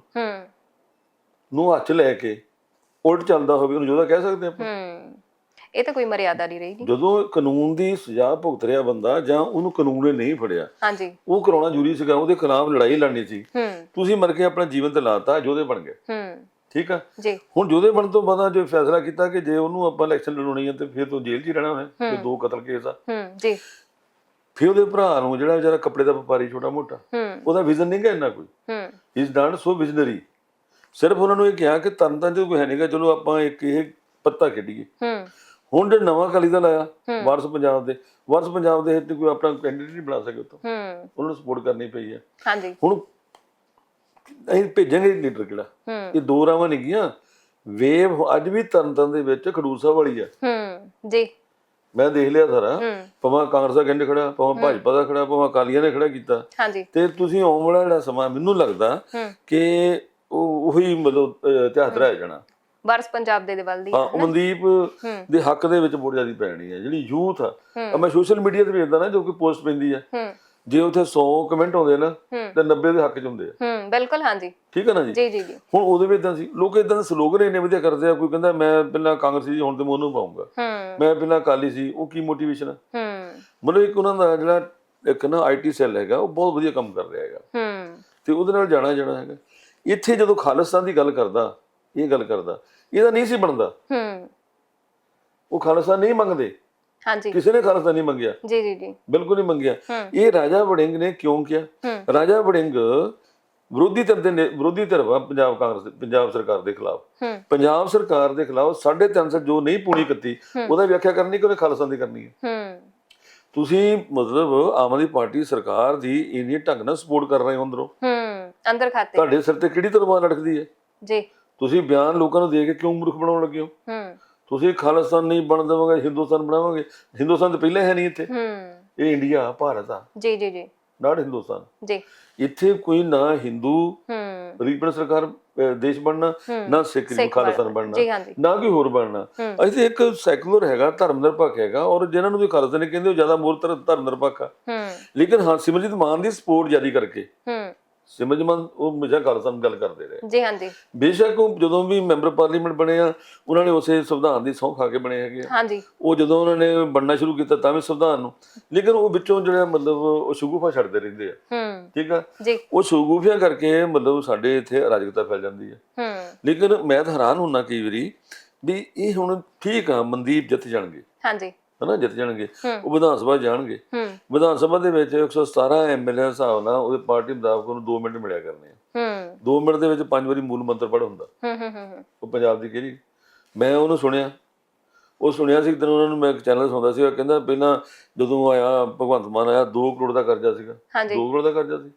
S2: ਨੂੰ ਹੱਥ ਲੈ ਕੇ ਉਲਟ ਚੱਲਦਾ ਹੋਵੇ, ਉਹਨੂੰ ਯੋਧਾ ਕਹਿ ਸਕਦੇ ਆਪਾਂ? ਇਹ ਤਾਂ ਕੋਈ ਮਰਿਆਦਾ ਨਹੀਂ ਰਹੀ। ਜਦੋਂ ਕਾਨੂੰਨ ਦੀ ਸਜ਼ਾ ਭੁਗਤ ਰਿਹਾ ਬੰਦਾ ਜਾਂ ਉਹਨੂੰ ਕਾਨੂੰਨ ਨੇ ਨਹੀਂ ਫੜਿਆ, ਹਾਂਜੀ, ਉਹ ਕਰਾਉਣਾ ਜ਼ਰੂਰੀ ਸੀਗਾ, ਉਹਦੇ ਖਿਲਾਫ ਲੜਾਈ ਲੜਨੀ ਸੀ, ਤੁਸੀਂ ਮਰ ਕੇ ਆਪਣਾ ਜੀਵਨ ਤੇ ਲਾਤਾ, ਯੋਧੇ ਬਣ ਗਏ, ਠੀਕ ਆ ਜੀ। ਹੁਣ ਯੋਧੇ ਬਣਨ ਤੋਂ ਬਾਅਦ ਜੋ ਫੈਸਲਾ ਕੀਤਾ ਕਿ ਜੇ ਉਹਨੂੰ ਆਪਾਂ ਇਲੈਕਸ਼ਨ ਲੜਾਉਣੀ ਹੈ ਤੇ ਫਿਰ ਤੋਂ ਜੇਲ੍ਹ 'ਚ ਹੀ ਰਹਿਣਾ ਹੈ, ਦੋ ਕਤਲ ਕੇਸ ਆ, ਜੀ। ਫਿਰ ਉਹਦੇ ਭਰਾ ਨੂੰ ਜਿਹੜਾ ਵਿਚਾਰਾ ਕੱਪੜੇ ਦਾ ਵਪਾਰੀ ਛੋਟਾ ਮੋਟਾ, ਉਹਦਾ ਵਿਜ਼ਨ ਨਹੀਂ ਗਾ ਇੰਨਾ ਕੋਈ, ਇਜ਼ ਨਾਟ ਸੋ ਵਿਜ਼ਨਰੀ, ਸਿਰਫ ਉਹਨਾਂ ਨੂੰ ਇਹ ਕਿਹਾ ਕਿ ਤਰਨਤਾਰਨ 'ਚ ਕੋਈ ਹੈ ਨਹੀਂਗਾ, ਚਲੋ ਆਪਾਂ ਇੱਕ ਇਹ ਪੱਤਾ ਖੇਡੀਏ। ਹੁਣ ਜਿਹੜਾ ਨਵਾਂ ਅਕਾਲੀ ਦਲ ਆਇਆ, ਵਾਰਸ ਪੰਜਾਬ ਦੇ, ਵਾਰਸ ਪੰਜਾਬ ਦੇ ਹਿੱਤ ਕੋਈ ਆਪਣਾ ਕੈਂਡੀਡੇਟ ਨਹੀਂ ਬਣਾ ਸਕੇ ਉੱਥੋਂ,
S1: ਹੂੰ
S2: ਉਹਨਾਂ ਨੂੰ ਸਪੋਰਟ ਕਰਨੀ ਪਈ ਹੈ।
S1: ਹਾਂਜੀ
S2: ਹੁਣ ਅਸੀਂ ਭੇਜਾਂਗੇ ਲੀਡਰ ਕਿਹੜਾ?
S1: ਹੂੰ
S2: ਇਹ ਦੋ ਰਾਵਾਂ ਨਹੀਂ ਗੀਆਂ। ਵੇਵ ਅੱਜ ਵੀ ਤਰਨਤਾਰਨ ਦੇ ਵਿੱਚ ਖਡੂਰ ਸਾਹਿਬ ਵਾਲੀ ਆ।
S1: ਹੂੰ ਜੀ
S2: ਮੈਂ ਦੇਖ ਲਿਆ ਸਾਰਾ,
S1: ਹੂੰ
S2: ਭਾਵੇਂ ਕਾਂਗਰਸ ਦਾ ਕੈਂਡੀਡੇਟ ਖੜਾ, ਭਾਵੇਂ ਭਾਜਪਾ ਦਾ ਖੜਾ, ਭਾਵੇਂ ਅਕਾਲੀਆਂ ਨੇ ਖੜਾ ਕੀਤਾ।
S1: ਹਾਂਜੀ
S2: ਤੇ ਤੁਸੀਂ ਆਉਣ ਵਾਲਾ ਜਿਹੜਾ ਸਮਾਂ ਮੈਨੂੰ ਲੱਗਦਾ
S1: ਹੂੰ
S2: ਕਿ ਉਹ ਉਹੀ ਮਤਲਬ ਇਤਿਹਾਸ ਰਹਿ ਜਾਣਾ।
S1: ਵਾਰਸ ਪੰਜਾਬ ਦੇ ਵੱਲ ਦੀ
S2: ਹਾਂ, ਮਨਦੀਪ ਦੇ ਹੱਕ ਦੇ ਵਿੱਚ ਬਹੁਤ ਜ਼ਿਆਦਾ ਪੈਣੀ ਹੈ। ਜਿਹੜੀ ਯੂਥ ਆ, ਮੈਂ ਸੋਸ਼ਲ ਮੀਡੀਆ ਤੇ ਵੇਖਦਾ ਨਾ ਜੋ ਕੋਈ ਪੋਸਟ ਪੈਂਦੀ ਆ,
S1: ਹੂੰ
S2: ਜੇ ਉੱਥੇ ਸੌ ਕਮੈਂਟ ਆਉਂਦੇ ਨਾ ਤੇ ਨੱਬੇ ਦੇ ਹੱਕ ਚ ਹੁੰਦੇ ਆ।
S1: ਹੂੰ ਬਿਲਕੁਲ ਹਾਂਜੀ
S2: ਠੀਕ ਹੈ ਨਾ ਜੀ।
S1: ਜੀ ਜੀ ਜੀ
S2: ਹੁਣ ਉਹਦੇ ਵਿੱਚ ਇਦਾਂ ਸੀ, ਲੋਕ ਇਦਾਂ ਦੇ ਸਲੋਗਨ ਇੰਨੇ ਵਧੀਆ ਕਰਦੇ ਆ। ਕੋਈ ਕਹਿੰਦਾ ਮੈਂ ਪਹਿਲਾਂ ਕਾਂਗਰਸੀ ਸੀ, ਹੁਣ ਤੇ ਮੈਂ ਉਹਨੂੰ ਪਾਉਂਗਾ।
S1: ਹੂੰ
S2: ਮੈਂ ਪਹਿਲਾਂ ਅਕਾਲੀ ਸੀ, ਉਹ ਕੀ ਮੋਟੀਵੇਸ਼ਨ ਆ?
S1: ਹੂੰ
S2: ਮਤਲਬ ਇੱਕ ਉਹਨਾਂ ਦਾ ਜਿਹੜਾ ਇੱਕ ਨਾ ਆਈ ਟੀ ਸੈੱਲ ਹੈਗਾ, ਉਹ ਬਹੁਤ ਵਧੀਆ ਕੰਮ ਕਰ ਰਿਹਾ ਹੈਗਾ
S1: ਹੂੰ
S2: ਤੇ ਉਹਦੇ ਨਾਲ ਜਾਣਾ ਜਾਣਾ ਹੈਗਾ। ਇੱਥੇ ਜਦੋਂ ਖਾਲਿਸਤਾਨ ਦੀ ਗੱਲ ਕਰਦਾ, ਇਹ ਗੱਲ ਕਰਦਾ, ਇਹਦਾ ਨਹੀਂ ਸੀ ਬਣਦਾ।
S1: ਹੂੰ
S2: ਉਹ ਖਾਲਿਸਤਾਨ ਨਹੀਂ ਮੰਗਦੇ,
S1: ਹਾਂਜੀ
S2: ਕਿਸੇ ਨੇ ਖਾਲਿਸਤਾਨ ਨਹੀਂ ਮੰਗਿਆ,
S1: ਜੀ ਜੀ ਜੀ
S2: ਬਿਲਕੁਲ ਨਹੀਂ ਮੰਗਿਆ।
S1: ਹੂੰ
S2: ਇਹ ਰਾਜਾ ਵੜਿੰਗ ਨੇ ਕਿਉਂ ਕਿਹਾ?
S1: ਹੂੰ
S2: ਰਾਜਾ ਵੜਿੰਗ ਵਿਰੋਧੀ ਧਿਰ ਦੇ ਨੇ- ਵਿਰੋਧੀ ਧਿਰ ਵਾ ਪੰਜਾਬ ਕਾਂਗਰਸ ਦੇ, ਪੰਜਾਬ ਸਰਕਾਰ ਦੇ ਖਿਲਾਫ।
S1: ਹੂੰ
S2: ਪੰਜਾਬ ਸਰਕਾਰ ਦੇ ਖਿਲਾਫ ਸਾਢੇ ਤਿੰਨ ਸੌ ਜੋ ਨਹੀਂ ਪੂਣੀ ਕੀਤੀ, ਉਹਦਾ ਵਿਆਖਿਆ ਕਰਨੀ ਕਿ ਉਹਨੇ ਖਾਲਿਸਤਾਨ ਦੀ ਕਰਨੀ ਹੈ।
S1: ਹੂੰ
S2: ਤੁਸੀਂ ਮਤਲਬ ਆਮ ਆਦਮੀ ਪਾਰਟੀ ਸਰਕਾਰ ਦੀ ਇੰਨੀ ਢੰਗ ਨਾਲ ਸਪੋਰਟ ਕਰ ਰਹੇ ਹੋ ਅੰਦਰੋਂ,
S1: ਹੂੰ ਅੰਦਰ ਖਾਤੇ
S2: ਤੁਹਾਡੇ ਸਿਰ ਤੇ ਕਿਹੜੀ ਤਲਵਾਰ ਲਟਕਦੀ ਹੈ?
S1: ਜੀ
S2: ਤੁਸੀਂ ਬਿਆਨ ਲੋਕਾਂ ਨੂੰ ਦੇ ਕੇ ਕਿਉਂ ਮੂਰਖ ਬਣਾਉਣ ਲੱਗੇ ਹੋ?
S1: ਹੂੰ
S2: ਤੁਸੀਂ ਖਾਲਿਸਤਾਨ ਨਹੀਂ ਬਣ ਦੇਵਾਂਗੇ, ਹਿੰਦੁਸਤਾਨ ਬਣਾਵਾਂਗੇ। ਹਿੰਦੁਸਤਾਨ ਤਾਂ ਪਹਿਲਾਂ ਹੈ ਨਹੀਂ ਇੱਥੇ,
S1: ਹੂੰ
S2: ਇਹ ਇੰਡੀਆ ਭਾਰਤ ਆ,
S1: ਜੀ ਜੀ ਜੀ
S2: ਨਾਟ ਹਿੰਦੁਸਤਾਨ।
S1: ਜੀ
S2: ਇੱਥੇ ਕੋਈ ਨਾ ਹਿੰਦੂ
S1: ਹੂੰ
S2: ਰੀਪਨ ਸਰਕਾਰ ਅਹ, ਦੇਸ਼ ਬਣਨਾ, ਨਾ ਸਿੱਖ
S1: ਸਿੱਖ
S2: ਖਾਲਿਸਤਾਨ
S1: ਬਣਨਾ।
S2: ਬਣਨਾ,
S1: ਜੀ ਹਾਂਜੀ
S2: ਨਾ ਕੋਈ ਹੋਰ ਬਣਨਾ। ਅਸੀਂ ਤੇ ਇੱਕ ਸੈਕੂਲਰ ਹੈਗਾ, ਧਰਮ ਨਿਰਪੱਖ ਹੈਗਾ, ਔਰ ਜਿਹਨਾਂ ਨੂੰ ਵੀ ਖਾਲਿਸਤਾਨ ਕਹਿੰਦੇ ਉਹ ਜ਼ਿਆਦਾ ਮੂਲ ਧਰਮ ਨਿਰਪੱਖ ਆ।
S1: ਹੂੰ
S2: ਲੇਕਿਨ ਹਾਂ, ਸਿਮਰਜੀਤ ਮਾਨ ਦੀ ਸਪੋਰਟ ਜਾਰੀ ਕਰਕੇ
S1: ਹੂੰ
S2: ਸਿਮਰਜੀਤ ਮਾਨ ਉਹ ਹਮੇਸ਼ਾ ਖਾਲਿਸਤਾਨ ਦੀ ਗੱਲ ਕਰਦੇ ਰਹੇ।
S1: ਜੀ ਹਾਂਜੀ
S2: ਬੇਸ਼ੱਕ ਉਹ ਜਦੋਂ ਵੀ ਮੈਂਬਰ ਪਾਰਲੀਮੈਂਟ ਬਣੇ ਆ, ਉਹਨਾਂ ਨੇ ਉਸੇ ਸੰਵਿਧਾਨ ਦੀ ਸਹੁੰ ਖਾ ਕੇ ਬਣੇ ਹੈਗੇ ਆ।
S1: ਹਾਂਜੀ
S2: ਉਹ ਜਦੋਂ ਉਹਨਾਂ ਨੇ ਬਣਨਾ ਸ਼ੁਰੂ ਕੀਤਾ ਤਾਂ ਵੀ ਸੰਵਿਧਾਨ ਨੂੰ, ਲੇਕਿਨ ਉਹ ਵਿੱਚੋਂ ਜਿਹੜਾ ਮਤਲਬ ਉਹ ਸ਼ਗੂਫਾ ਛੱਡਦੇ ਰਹਿੰਦੇ ਆ।
S1: ਹੂੰ
S2: ਠੀਕ ਆ,
S1: ਜੀ
S2: ਉਹ ਸ਼ਗੂਫਿਆਂ ਕਰਕੇ ਮਤਲਬ ਸਾਡੇ ਇੱਥੇ ਅਰਾਜਕਤਾ ਫੈਲ ਜਾਂਦੀ ਹੈ।
S1: ਹੂੰ
S2: ਲੇਕਿਨ ਮੈਂ ਤਾਂ ਹੈਰਾਨ ਹੁੰਦਾ ਕਈ ਵਾਰੀ ਵੀ ਇਹ ਹੁਣ ਠੀਕ ਆ, ਮਨਦੀਪ ਜਿੱਤ ਜਾਣਗੇ,
S1: ਹਾਂਜੀ
S2: ਹਨਾ, ਜਿੱਤ ਜਾਣਗੇ,
S1: ਹੂੰ
S2: ਉਹ ਵਿਧਾਨ ਸਭਾ ਜਾਣਗੇ।
S1: ਹੂੰ
S2: ਵਿਧਾਨ ਸਭਾ ਦੇ ਵਿੱਚ ਇੱਕ ਸੌ ਸਤਾਰਾਂ ਐਮਐਲਏ ਹਿਸਾਬ ਨਾਲ ਉਹਦੇ ਪਾਰਟੀ ਮੁਤਾਬਕ ਉਹਨੂੰ ਦੋ ਮਿੰਟ ਮਿਲਿਆ ਕਰਨੇ ਆ।
S1: ਹੂੰ
S2: ਦੋ ਮਿੰਟ ਦੇ ਵਿੱਚ ਪੰਜ ਵਾਰੀ ਮੂਲ ਮੰਤਰ ਪੜ੍ਹ ਹੁੰਦਾ।
S1: ਹੂੰ ਹੂੰ ਹੂੰ
S2: ਉਹ ਪੰਜਾਬ ਦੀ ਕਿਹੜੀ, ਮੈਂ ਉਹਨੂੰ ਸੁਣਿਆ, ਉਹ ਸੁਣਿਆ ਸੀ ਇੱਕ ਦਿਨ ਉਹਨਾਂ ਨੂੰ, ਮੈਂ ਇੱਕ ਚੈਨਲ ਸੁਣਦਾ ਸੀ, ਕਹਿੰਦਾ ਪਹਿਲਾਂ ਜਦੋਂ ਆਇਆ ਭਗਵੰਤ ਮਾਨ ਆਇਆ ਦੋ ਕਰੋੜ ਦਾ ਕਰਜ਼ਾ ਸੀਗਾ।
S1: ਹਾਂਜੀ
S2: ਦੋ ਕਰੋੜ ਦਾ ਕਰਜ਼ਾ ਸੀ,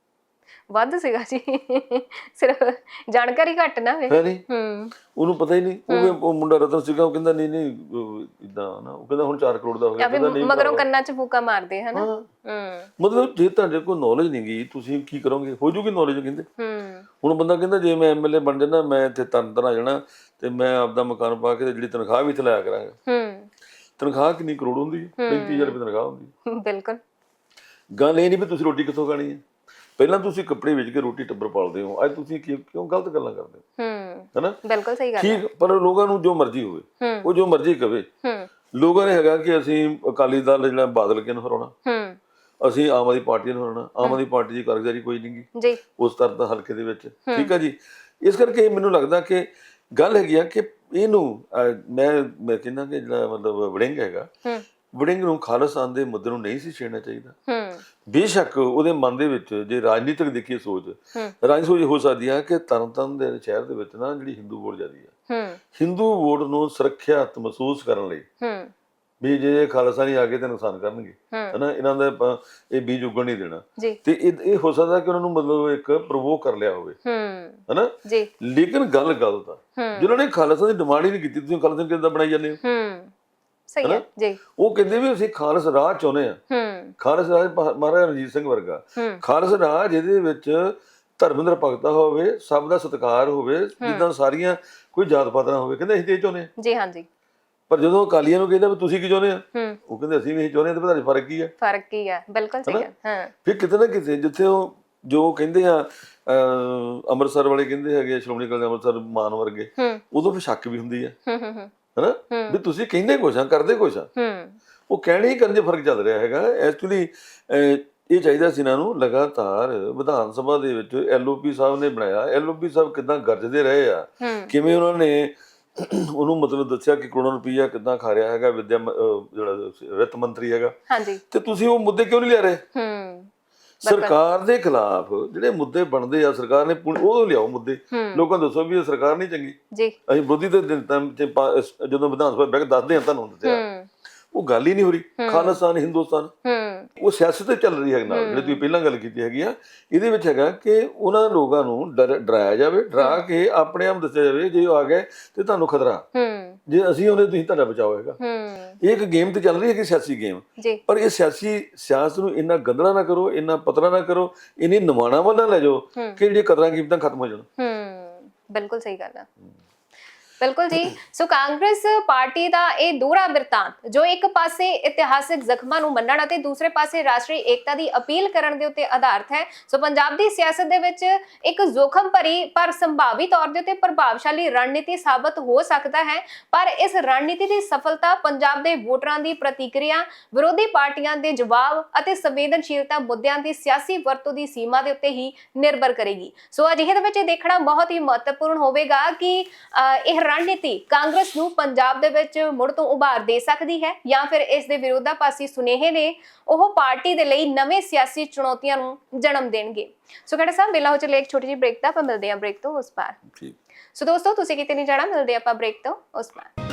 S1: ਵੱਧ ਸੀਗਾ ਜੀ, ਸਿਰਫ ਜਾਣਕਾਰੀ ਘੱਟ ਨਾ ਵੇ।
S2: ਹੈ ਨਹੀਂ,
S1: ਹੂੰ
S2: ਉਹਨੂੰ ਪਤਾ ਹੀ ਨਹੀਂ। ਉਹ ਵੀ ਉਹ ਮੁੰਡਾ ਰਤਨ ਸੀਗਾ, ਉਹ ਕਹਿੰਦਾ ਨਹੀਂ ਨਹੀਂ ਇਦਾਂ ਨਾ, ਉਹ ਕਹਿੰਦਾ ਹੁਣ ਚਾਰ ਕਰੋੜ ਦਾ ਹੋ ਗਿਆ।
S1: ਜਾਂ ਫਿਰ
S2: ਕਹਿੰਦਾ ਨਹੀਂ
S1: ਮਗਰੋਂ
S2: ਭਰਾਵਾ।
S1: ਕੰਨਾਂ 'ਚ ਫੂਕਾ ਮਾਰਦੇ ਹਨਾ।
S2: ਹਾਂ,
S1: ਹੂੰ
S2: ਮਤਲਬ ਜੇ ਤੁਹਾਡੇ ਕੋਲ ਨੌਲੇਜ ਨਹੀਂ ਗਈ, ਤੁਸੀਂ ਕੀ ਕਰੋਗੇ? ਹੋ ਜੂਗੀ ਨੌਲੇਜ ਕਹਿੰਦੇ।
S1: ਹੂੰ
S2: ਹੁਣ ਬੰਦਾ ਕਹਿੰਦਾ ਜੇ ਮੈਂ ਐਮਐਲਏ ਬਣ ਜਾਣਾ, ਮੈਂ ਇੱਥੇ ਤਰਨ ਤਰਨ ਆ ਜਾਣਾ ਤੇ ਮੈਂ ਆਪਦਾ ਮਕਾਨ ਪਾ ਕੇ ਤੇ ਜਿਹੜੀ ਤਨਖਾਹ ਵੀ ਇੱਥੇ ਲਾਇਆ ਕਰਾਂਗਾ।
S1: ਹੂੰ
S2: ਤਨਖਾਹ ਕਿੰਨੀ ਕਰੋੜ ਹੁੰਦੀ ਹੈ? ਪੈਂਤੀ ਹਜ਼ਾਰ ਰੁਪਏ ਤਨਖਾਹ ਹੁੰਦੀ ਹੈ।
S1: ਬਿਲਕੁਲ
S2: ਗੱਲ ਇਹ ਨਹੀਂ ਵੀ ਤੁਸੀਂ ਰੋਟੀ ਕਿੱਥੋਂ ਖਾਣੀ ਹੈ। ਪਹਿਲਾਂ ਤੁਸੀਂ ਕੱਪੜੇ ਵੇਚ ਕੇ ਰੋਟੀ ਟੱਬਰ ਪਾਲਦੇ ਹੋ, ਅੱਜ ਤੁਸੀਂ ਕੀ- ਕਿਉਂ ਗਲਤ ਗੱਲਾਂ ਕਰਦੇ ਹੋ?
S1: ਹੂੰ
S2: ਹੈਨਾ,
S1: ਬਿਲਕੁਲ ਸਹੀ ਗੱਲ ਹੈ।
S2: ਠੀਕ, ਪਰ ਲੋਕਾਂ ਨੂੰ ਜੋ ਮਰਜ਼ੀ ਹੋਵੇ,
S1: ਹੂੰ
S2: ਉਹ ਜੋ ਮਰਜ਼ੀ ਕਵੇ।
S1: ਹੂੰ
S2: ਲੋਕਾਂ ਨੇ ਹੈਗਾ ਕਿ ਅਸੀਂ ਅਕਾਲੀ ਦਲ ਜਿਹੜਾ ਬਾਦਲ ਕੇ ਨੂੰ ਹਰਾਉਣਾ,
S1: ਹੂੰ
S2: ਅਸੀਂ ਆਮ ਆਦਮੀ ਪਾਰਟੀ ਨੂੰ ਹਰਾਉਣਾ। ਆਮ ਆਦਮੀ ਪਾਰਟੀ ਦੀ ਕਾਰਗੁਜ਼ਾਰੀ ਕੋਈ ਨਹੀਂ ਗੀ
S1: ਜੀ
S2: ਉਸ ਤਰ੍ਹਾਂ ਦਾ ਹਲਕੇ ਦੇ ਵਿੱਚ। ਠੀਕ ਹੈ ਜੀ, ਇਸ ਕਰਕੇ ਮੈਨੂੰ ਲੱਗਦਾ ਕਿ ਗੱਲ ਹੈਗੀ ਆ ਕਿ ਇਹਨੂੰ ਅਹ, ਮੈਂ ਮੈਂ ਕਹਿੰਦਾ ਕਿ ਜਿਹੜਾ ਮਤਲਬ ਵੜਿੰਗ ਹੈਗਾ,
S1: ਹੂੰ
S2: ਵੜਿੰਗ ਨੂੰ ਖਾਲਿਸਤਾਨ ਦੇ ਮੁੱਦੇ ਨੂੰ ਨਹੀਂ ਸੀ ਛੇੜਨਾ ਚਾਹੀਦਾ।
S1: ਹੂੰ
S2: ਬੇਸ਼ੱਕ ਉਹਦੇ ਮਨ ਦੇ ਵਿੱਚ ਜੇ ਰਾਜਨੀਤਿਕ ਦੇਖੀਏ ਸੋਚ,
S1: ਹੂੰ
S2: ਰਾਜ ਸੋਚ ਹੋ ਸਕਦੀ ਹੈ ਕਿ ਤਰਨਤਾਰਨ ਦੇ ਸ਼ਹਿਰ ਦੇ ਵਿੱਚ ਨਾ ਜਿਹੜੀ ਹਿੰਦੂ ਵੋਟ ਜ਼ਿਆਦੀ ਹੈ,
S1: ਹੂੰ
S2: ਹਿੰਦੂ ਵੋਟ ਨੂੰ ਸੁਰੱਖਿਅਤ ਮਹਿਸੂਸ ਕਰਨ ਲਈ
S1: ਹੂੰ
S2: ਵੀ ਜੇ ਖਾਲਸਾ ਨਹੀਂ ਆ ਕੇ ਤੇ ਨੁਕਸਾਨ ਕਰਨਗੇ,
S1: ਹੂੰ
S2: ਹਨਾ, ਇਹਨਾਂ ਦਾ ਆਪਾਂ ਇਹ ਬੀਜ ਉੱਗਣ ਨਹੀਂ ਦੇਣਾ।
S1: ਜੀ
S2: ਤੇ ਇਹ ਇਹ ਹੋ ਸਕਦਾ ਕਿ ਉਹਨਾਂ ਨੂੰ ਮਤਲਬ ਇੱਕ ਪ੍ਰਵੋਕ ਕਰ ਲਿਆ ਹੋਵੇ,
S1: ਹੂੰ
S2: ਹਨਾ।
S1: ਜੀ
S2: ਲੇਕਿਨ ਗੱਲ ਗਲਤ ਆ,
S1: ਹੂੰ
S2: ਜਿਨ੍ਹਾਂ ਨੇ ਖਾਲਸਾ ਦੀ ਡਿਮਾਂਡ ਹੀ ਨਹੀਂ ਕੀਤੀ, ਤੁਸੀਂ ਖਾਲਸਾ ਨੂੰ ਕਿੱਦਾਂ ਬਣਾਈ ਜਾਂਦੇ ਹੋ?
S1: ਹੂੰ ਸਹੀ ਹੈ ਜੀ।
S2: ਉਹ ਕਹਿੰਦੇ ਵੀ ਅਸੀਂ ਖਾਲਸ ਰਾਜ ਚਾਹੁੰਦੇ ਆ,
S1: ਹੂੰ
S2: ਖਾਲਸ ਰਾਜ ਮਹਾ- ਮਹਾਰਾਜਾ ਰਣਜੀਤ ਸਿੰਘ ਵਰਗਾ
S1: ਹੂੰ
S2: ਖਾਲਸ ਰਾਜ ਜਿਹਦੇ ਵਿੱਚ ਧਰਮ ਨਿਰਪੱਖਤਾ ਹੋਵੇ, ਸਭ ਦਾ ਸਤਿਕਾਰ ਹੋਵੇ, ਜਿੱਦਾਂ ਸਾਰੀਆਂ ਕੋਈ ਜਾਤ ਪਾਤ ਨਾ ਹੋਵੇ, ਕਹਿੰਦੇ ਅਸੀਂ ਤੇ ਇਹ ਚਾਹੁੰਦੇ ਆ।
S1: ਜੀ ਹਾਂਜੀ
S2: ਪਰ ਜਦੋਂ ਅਕਾਲੀਆਂ ਨੂੰ ਕਹਿੰਦਾ ਵੀ ਤੁਸੀਂ ਕੀ ਚਾਹੁੰਦੇ ਆ,
S1: ਹੂੰ
S2: ਉਹ ਕਹਿੰਦੇ ਅਸੀਂ ਵੀ ਇਹੀ ਚਾਹੁੰਦੇ ਆ, ਤੇ ਤੁਹਾਡੇ ਫਰਕ ਕੀ ਆ?
S1: ਫਰਕ ਕੀ ਹੈ, ਬਿਲਕੁਲ ਸਹੀ ਹੈ। ਹਾਂ
S2: ਫਿਰ ਕਿਤੇ ਨਾ ਕਿਤੇ ਜਿੱਥੇ ਉਹ ਜੋ ਕਹਿੰਦੇ ਆ ਅਹ ਅੰਮ੍ਰਿਤਸਰ ਵਾਲੇ ਕਹਿੰਦੇ ਹੈਗੇ ਸ਼੍ਰੋਮਣੀ ਅਕਾਲੀ ਦਲ ਅੰਮ੍ਰਿਤਸਰ ਮਾਨ ਵਰਗੇ,
S1: ਹੂੰ
S2: ਉਦੋਂ ਫਿਰ ਸ਼ੱਕ ਵੀ ਹੁੰਦੀ ਆ,
S1: ਹੂੰ ਹੂੰ ਹੂੰ
S2: ਹਨਾ, ਵੀ ਤੁਸੀਂ ਕਹਿੰਦੇ ਕੁਛ ਆ ਕਰਦੇ ਕੁਛ ਆ।
S1: ਹੂੰ
S2: ਉਹ ਕਹਿਣੇ ਹੀ ਕਰਨ 'ਚ ਫਰਕ ਚੱਲ ਰਿਹਾ ਹੈਗਾ। ਐਕਚੁਅਲੀ ਇਹ ਚਾਹੀਦਾ ਸੀ ਇਹਨਾਂ ਨੂੰ ਲਗਾਤਾਰ ਵਿਧਾਨ ਸਭਾ ਦੇ ਵਿੱਚ ਐਲਓਪੀ ਸਾਹਿਬ ਨੇ ਬਣਾਇਆ, ਐਲਓਪੀ ਸਾਹਿਬ ਕਿੱਦਾਂ ਗਰਜਦੇ ਰਹੇ ਆ,
S1: ਹੂੰ
S2: ਕਿਵੇਂ ਉਹਨਾਂ ਨੇ ਉਹਨੂੰ ਮਤਲਬ ਦੱਸਿਆ ਕਿ ਕਰੋੜਾਂ ਰੁਪਈਆ ਕਿੱਦਾਂ ਖਾ ਰਿਹਾ ਹੈਗਾ ਵਿਦਿਆ ਮ- ਅਹ ਜਿਹੜਾ ਵਿੱਤ ਮੰਤਰੀ ਹੈਗਾ,
S1: ਹਾਂਜੀ
S2: ਤੇ ਤੁਸੀਂ ਉਹ ਮੁੱਦੇ ਕਿਉਂ ਨਹੀਂ ਲਿਆ ਰਹੇ?
S1: ਹੂੰ
S2: ਸਰਕਾਰ ਦੇ ਖਿਲਾਫ ਜਿਹੜੇ ਮੁੱਦੇ ਬਣਦੇ ਆ, ਸਰਕਾਰ ਨੇ ਪੂਰੀ- ਉਹ ਲਿਆਓ ਮੁੱਦੇ,
S1: ਹੂੰ
S2: ਲੋਕਾਂ ਨੂੰ ਦੱਸੋ ਵੀ ਇਹ ਸਰਕਾਰ ਨਹੀਂ ਚੰਗੀ।
S1: ਜੀ
S2: ਅਸੀਂ ਵਿਰੋਧੀ ਦੇ ਦਿਨ ਤਾਂ ਚ ਪਾ- ਜਦੋਂ ਵਿਧਾਨ ਸਭਾ ਬੈਠ ਕੇ ਦੱਸਦੇ ਆ ਤੁਹਾਨੂੰ ਦੱਸਿਆ,
S1: ਹੂੰ
S2: ਉਹ ਗੱਲ ਹੀ ਨਹੀਂ ਹੋ ਰਹੀ। ਖਾਲਿਸਤਾਨ ਹਿੰਦੁਸਤਾਨ
S1: ਹੂੰ
S2: ਉਹ ਸਿਆਸਤ ਤੇ ਚੱਲ ਰਹੀ ਹੈ ਨਾਲ, ਜਿਹੜੀ ਤੁਸੀਂ ਪਹਿਲਾਂ ਗੱਲ ਕੀਤੀ ਹੈਗੀ ਆ। ਇਹਦੇ ਵਿੱਚ ਹੈਗਾ ਕਿ ਉਹਨਾਂ ਲੋਕਾਂ ਨੂੰ ਡਰ ਡਰਾਇਆ ਜਾਵੇ, ਡਰਾ ਕੇ ਆਪਣੇ ਆਪ ਦੱਸਿਆ ਜਾਵੇ ਜੇ ਉਹ ਆ ਗਏ ਤੇ ਤੁਹਾਨੂੰ ਖਤਰਾ,
S1: ਹੂੰ
S2: ਜੇ ਅਸੀਂ ਉਹਨੇ ਤੁਸੀਂ ਤੁਹਾਡਾ ਬਚਾਓ ਹੈਗਾ।
S1: ਹੂੰ
S2: ਇਹ ਇੱਕ ਗੇਮ ਤੇ ਚੱਲ ਰਹੀ ਹੈ ਕਿ ਸਿਆਸੀ ਗੇਮ,
S1: ਜੀ
S2: ਪਰ ਇਹ ਸਿਆਸੀ ਸਿਆਸਤ ਨੂੰ ਇੰਨਾ ਗੰਦਲਾ ਨਾ ਕਰੋ, ਇੰਨਾ ਪਤਲਾ ਨਾ ਕਰੋ, ਇੰਨੀ ਨਿਮਾਣਾ ਵੱਲ ਨਾ ਲੈ ਜਾਓ ਕਿ ਜਿਹੜੀਆਂ ਕਦਰਾਂ ਕੀਮਤਾਂ ਖਤਮ ਹੋ ਜਾਣ।
S1: ਹੂੰ ਬਿਲਕੁਲ ਸਹੀ ਗੱਲ ਹੈ। ਬਿਲਕੁਲ ਜੀ। ਸੋ ਕਾਂਗਰਸ ਪਾਰਟੀ ਦਾ ਇਹ ਦੋਹਰਾ ਬਿਰਤਾਂਤ ਜੋ ਇੱਕ ਪਾਸੇ ਇਤਿਹਾਸਿਕ ਜ਼ਖਮਾਂ ਨੂੰ ਮੰਨਣ ਅਤੇ ਦੂਸਰੇ ਪਾਸੇ ਰਾਸ਼ਟਰੀ ਏਕਤਾ ਦੀ ਅਪੀਲ ਕਰਨ ਦੇ ਉੱਤੇ ਆਧਾਰਿਤ ਹੈ। ਸੋ ਪੰਜਾਬ ਦੀ ਸਿਆਸਤ ਦੇ ਵਿੱਚ ਇੱਕ ਜ਼ੋਖਮ ਭਰੀ ਪਰ ਸੰਭਾਵੀ ਤੌਰ ਦੇ ਉੱਤੇ ਪ੍ਰਭਾਵਸ਼ਾਲੀ ਰਣਨੀਤੀ ਸਾਬਤ ਹੋ ਸਕਦਾ ਹੈ, ਪਰ ਇਸ ਰਣਨੀਤੀ ਦੀ ਸਫਲਤਾ ਪੰਜਾਬ ਦੇ ਵੋਟਰਾਂ ਦੀ ਪ੍ਰਤੀਕਿਰਿਆ, ਵਿਰੋਧੀ ਪਾਰਟੀਆਂ ਦੇ ਜਵਾਬ ਅਤੇ ਸੰਵੇਦਨਸ਼ੀਲਤਾ ਮੁੱਦਿਆਂ ਦੀ ਸਿਆਸੀ ਵਰਤੋਂ ਦੀ ਸੀਮਾ ਦੇ ਉੱਤੇ ਹੀ ਨਿਰਭਰ ਕਰੇਗੀ। ਸੋ ਅਜਿਹੇ ਦੇ ਵਿੱਚ ਇਹ ਦੇਖਣਾ ਬਹੁਤ ਹੀ ਮਹੱਤਵਪੂਰਨ ਹੋਵੇਗਾ ਕਿ ਇਹ ਰਣਨੀਤੀ ਕਾਂਗਰਸ ਨੂੰ ਪੰਜਾਬ ਦੇ ਵਿੱਚ ਮੁੜ ਤੋਂ ਉਭਾਰ ਦੇ ਸਕਦੀ ਹੈ ਜਾਂ ਫਿਰ ਇਸ ਦੇ ਵਿਰੋਧਾਭਾਸੀ ਸੁਨੇਹੇ ਨੇ ਉਹ ਪਾਰਟੀ ਦੇ ਲਈ ਨਵੇਂ ਸਿਆਸੀ ਚੁਣੌਤੀਆਂ ਨੂੰ ਜਨਮ ਦੇਣਗੇ। ਸੋ ਖੜਾ ਸਾਹਿਬ ਵੇਲਾ ਹੋ ਚੱਲੇ ਇੱਕ ਛੋਟੀ ਜਿਹੀ ਬ੍ਰੇਕ ਦਾ, ਆਪਾਂ ਮਿਲਦੇ ਹਾਂ ਬ੍ਰੇਕ ਤੋਂ ਉਸ ਪਾਰ।
S2: ਠੀਕ।
S1: ਸੋ ਦੋਸਤੋ ਤੁਸੀਂ ਕਿਤੇ ਨਹੀਂ ਜਾਣਾ, ਮਿਲਦੇ ਆਪਾਂ ਬ੍ਰੇਕ ਤੋਂ ਉਸ ਪਾਰ।